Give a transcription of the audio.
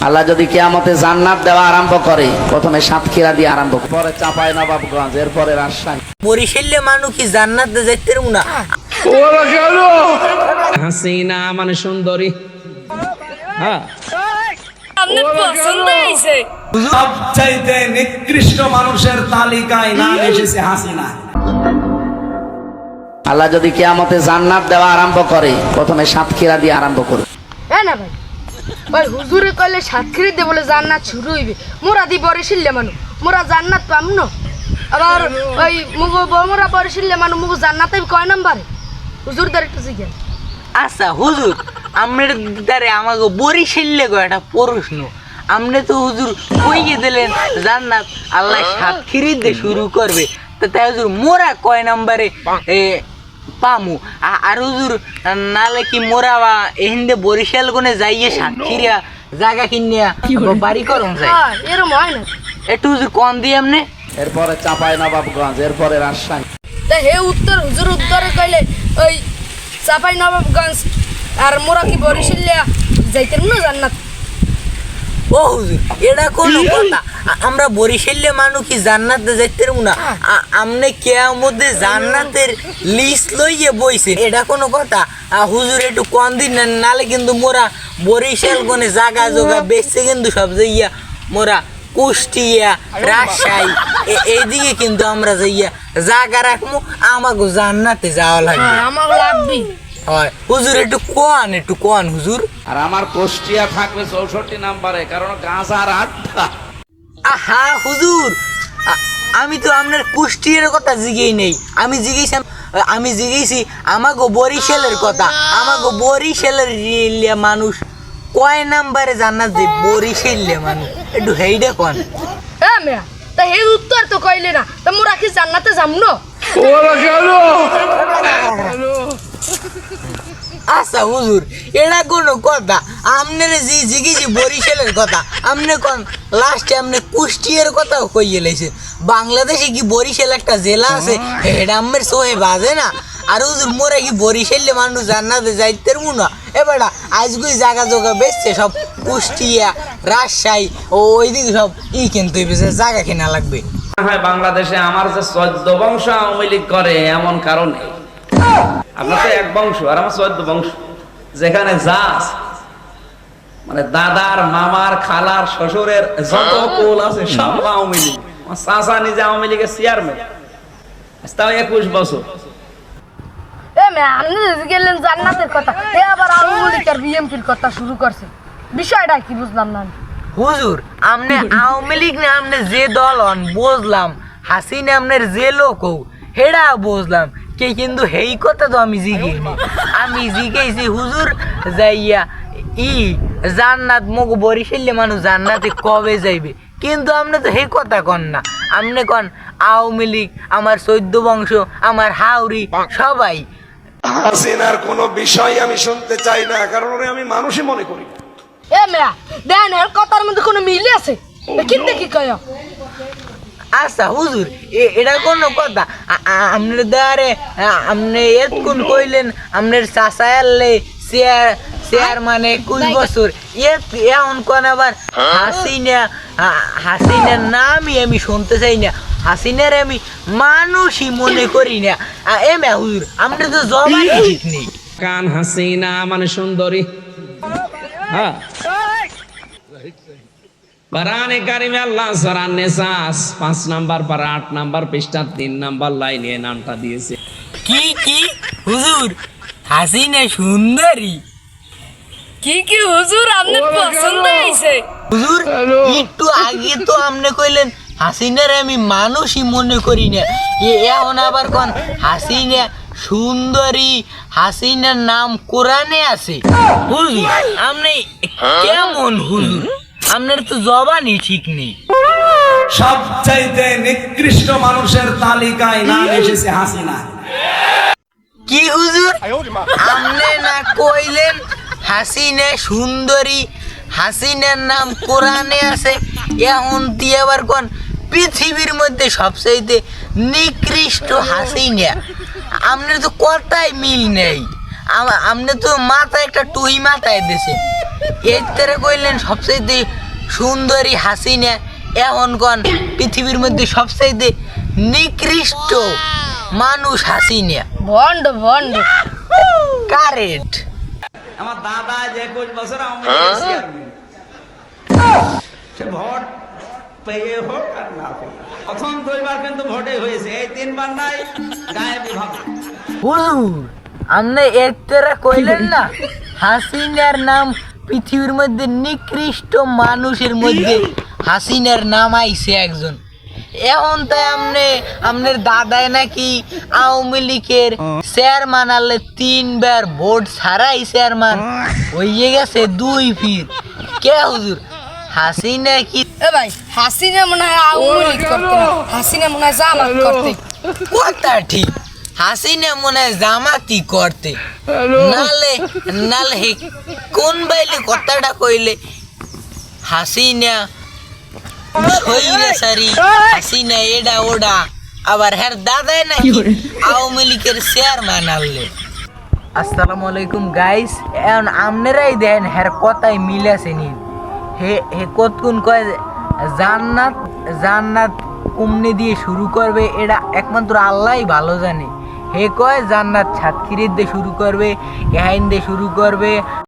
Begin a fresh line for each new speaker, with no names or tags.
আল্লাহ যদি কিয়ামতে জান্নাত দেওয়া আরম্ভ করে, প্রথমে সাতক্ষীরা দিয়ে আরম্ভ করে, পরে চাঁপাই নবাবগঞ্জ, এরপরে রাজশাহী।
বরিশালে মানুষ কি জান্নাতে যাইতে না?
হাসিনা মানে সুন্দরী। হ্যাঁ,
আপনার পছন্দ হয়েছে?
সবচাইতে নিকৃষ্ট মানুষের তালিকায় নাম এসেছে হাসিনা।
আল্লাহ যদি কিয়ামতে জান্নাত দেওয়া আরম্ভ করে, প্রথমে সাতক্ষীরা দিয়ে আরম্ভ করে।
হ্যাঁ না ভাই, ওই হুজুরে কইলে সাতক্ষীরা দিয়ে বলে জান্নাত শুরু হইবে। মোরা দি বরিশালে মানুষ, মোরা জান্নাত পাম না। আবার ওই মোরা বরিশালে মানুষ মুগো জান্নাতে কয় নাম্বারে? হুজুরদের একটু জিজ্ঞেস।
আচ্ছা হুজুর, আমনের দ্বারে আমাকে বরিশালে গো একটা প্রশ্ন। আমনে তো হুজুর কইয়ে দিলেন জান্নাত আল্লাহ সাতক্ষীরা দিয়ে শুরু করবে, তো তাই হুজুর মোরা কয় নাম্বারে পামু? আর হুজুর নালে কি মোরা বা এহিন্দে বরিশাল কোনে যাইয়ে সাতক্ষীরা জায়গা কিনিয়া বাড়ি করুন যায়?
হ্যাঁ, এরম হয় না।
একটু হুজুর কন দিয়ে আমনে।
এরপরে চাঁপাই নবাবগঞ্জ, এরপরে রাজশাহী।
তা হে উত্তর হুজুর উত্তরে কইলে ওই চাপাই নবাবগঞ্জ আর মোরা কি বরিশালে যাইতেন না জান্নাত?
ও হুজুর, এটা কোন কথা? আমরা বরিশালে মানুষ কি জান্নাতে যাইতে না? আমনে কিয়ামতে জান্নাতের লিস্ট লইয়ে বইছেন, এটা কোনো কথা? হুজুর একটু কম দিন, নালে কিন্তু মোরা বরিশাল কোনে জায়গা জোগা বেচছে কিন্তু সব যাইয়া মোরা কুষ্টিয়া রাজশাহী এইদিকে কিন্তু আমরা যাইয়া জায়গা রাখবো, আমাকে জান্নাতে যাওয়া লাগবে।
আমার লাগবি।
হয় হুজুর, একটু কোন হুজুর।
আর আমার কুষ্টিয়া থাকবে 64 নাম্বারে, কারণ গাঁজার আড্ডা।
আহা হুজুর, আমি তো আপনার কুষ্টিয়ার কথা জিগেই নেই, আমি জিগেছি আমাকে বরিশালের কথা। আমাকে বরিশালের মানুষ কয় নাম্বারে জান্নাত যে বরিশালে মানুষ, একটু হেইডে কোন।
হ্যাঁ মেয়া, তা হে উত্তর তো কইলে না, তা মোরা কি জান্নাতে যাম না?
আচ্ছা হুজুর, এটা কোনো কথা? আপনার জিগেছি বরিশালের কথা, আপনি কোন লাস্টে আপনি কুষ্টিয়ার কথাও কইয়ে লাইছে। বাংলাদেশে কি বরিশাল একটা জেলা আছে? এটা আমার সোহে বাজে না। আর হুজুর মোরা কি বরিশালে মানুষ জান্নাতে যাইতে না? এবারে আজগুই জায়গা জোগা বেচছে সব কুষ্টিয়া রাজশাহী ও ওইদিকে সব কিন্তু জায়গা কেনা লাগবে।
হয় বাংলাদেশে আমার যে 14 বংশ আওয়ামী লীগ করে এমন কারণে। আপনার তো এক বংশ আর আমার 14 বংশ, যেখানে যা আছে, মানে দাদার মামার খালার শ্বশুরের যত কুল আছে সব আওয়ামী লীগ। আমার চাচা নিজে আওয়ামী লীগের চেয়ারম্যান, তাও 21 বছর।
এ মেয়া, আপনি গেলেন জান্নাতের কথা, এ আবার আওয়ামী লীগ আর বিএনপির কথা শুরু করছে। বিষয়টা কি বুঝলাম না।
হুজুর, আমনে আওয়ামী লীগ না আমনে যে দল হন বুঝলাম, হাসিনা আমনের যে লোক হেডা বুঝলাম, কে কিন্তু হেই কথা তো আমি জিগেইনি। আমি জিগেইছি হুজুর যাইয়া জান্নাত মগ বরিশালে মানুষ জান্নাতে কবে যাইবে, কিন্তু আপনি তো হে কথা কন না। আপনি কন আওয়ামী লীগ, আমার 14 বংশ, আমার হাউরি সবাই।
হাসিনার কোনো বিষয় আমি শুনতে চাই না, কারণ ওরে আমি মানুষই মনে করি।
এ মেয়া, দেন এর কথার মধ্যে কোনো মিল আছে? কিন্তু কি কয়?
আচ্ছা হুজুর, এটা কোনো কথা? আপনার দ্বারে আপনি এতক্ষণ কইলেন আপনার চাচা এলে চেয়ার মানে 21 বছর, এখন কোন আবার হাসিনার নামই আমি শুনতে চাই না, হাসিনার আমি মানুষই মনে করি না। এমা হুজুর, আমরা তো জবাই ঠিক নেই।
কান হাসিনা মানে সুন্দরী। হ্যাঁ, কোরআনে কারিমে আল্লাহ সূরা নিসাস 5 নাম্বার পারা 8 নাম্বার পৃষ্ঠা 3 নাম্বার লাইনে নামটা দিয়েছে।
কি হুজুর, হাসিনা সুন্দরী?
কি হুজুর, আপনার পছন্দ হয়েছে?
হুজুর, একটু আগে তো আপনি কইলেন হাসিনার আমি মানুষই মনে করি না, এখন আবার কোন হাসিনা সুন্দরী, হাসিনার নাম কোরআনে আছে। হুজুর আপনি কেমন হুজুর? আপনার তো জবানই ঠিক নেই।
সবচাইতে নিকৃষ্ট মানুষের তালিকায় নাম এসেছে হাসিনা।
কি হুজুর, আপনি না কইলেন হাসিনা সুন্দরী, হাসিনার নাম কোরআনে আছে, এখন দিয়ে আবার কোন পৃথিবীর মধ্যে সবচাইতে নিকৃষ্ট হাসিনা? আপনার তো কথাই মিল নেই। আপনি তো মাথায় একটা টুই মাথায় দিছে। এর তেরে কইলেন সবচাইতে সুন্দরী হাসিনা, এখন কোন পৃথিবীর মধ্যে সবচাইতে নিকৃষ্ট মানুষ হাসিনা।
ভন্ড ভন্ড।
কারেক্ট।
আমার দাদা যে 21 বছর আওয়ামী লীগের চেয়ারম্যান, সে ভোট পেয়ে হোক আর না পেয়ে, প্রথম 2 বার কিন্তু ভোটে হয়েছে, এই 3 বার নাই গায়ে বিভাগ।
হুজুর আপনি এর তেরে কইলেন না হাসিনার নাম পৃথিবীর মধ্যে নিকৃষ্ট মানুষের মধ্যে হাসিনার নাম আইছে একজন। এখন তাই আপনার দাদাই নাকি আওয়ামী লীগের চেয়ারম্যান আনলে 3 বার ভোট ছাড়াই চেয়ারম্যান হয়ে গেছে 2 ফির। কে হুজুর হাসিনা কি?
এ ভাই হাসিনা মনে হয় আওয়ামী লীগ করতে না, হাসিনা মনে হয় জামাত করতে।
কথা ঠিক, হাসিনা মনে হয় জামাতি করতে, নালে নালে হে কোন বাইলে কথাটা কইলে হাসিনা সৈরাচারী, হাসিনা এডা ওডা, আবার হ্যার দাদাই নাকি আওয়ামী লীগের চেয়ারম্যান আনলে। আসসালামু আলাইকুম গাইস, এখন আপনারাই দেন হ্যার কথাই মিলেছে নি। হে হে কতক্ষণ কয় জান্নাত জান্নাত কুমনে দিয়ে শুরু করবে, এটা একমাত্র আল্লাহই ভালো জানে। হে কয় জান্নাত সাতক্ষীরের দিয়ে শুরু করবে, এহাইন দিয়ে শুরু করবে।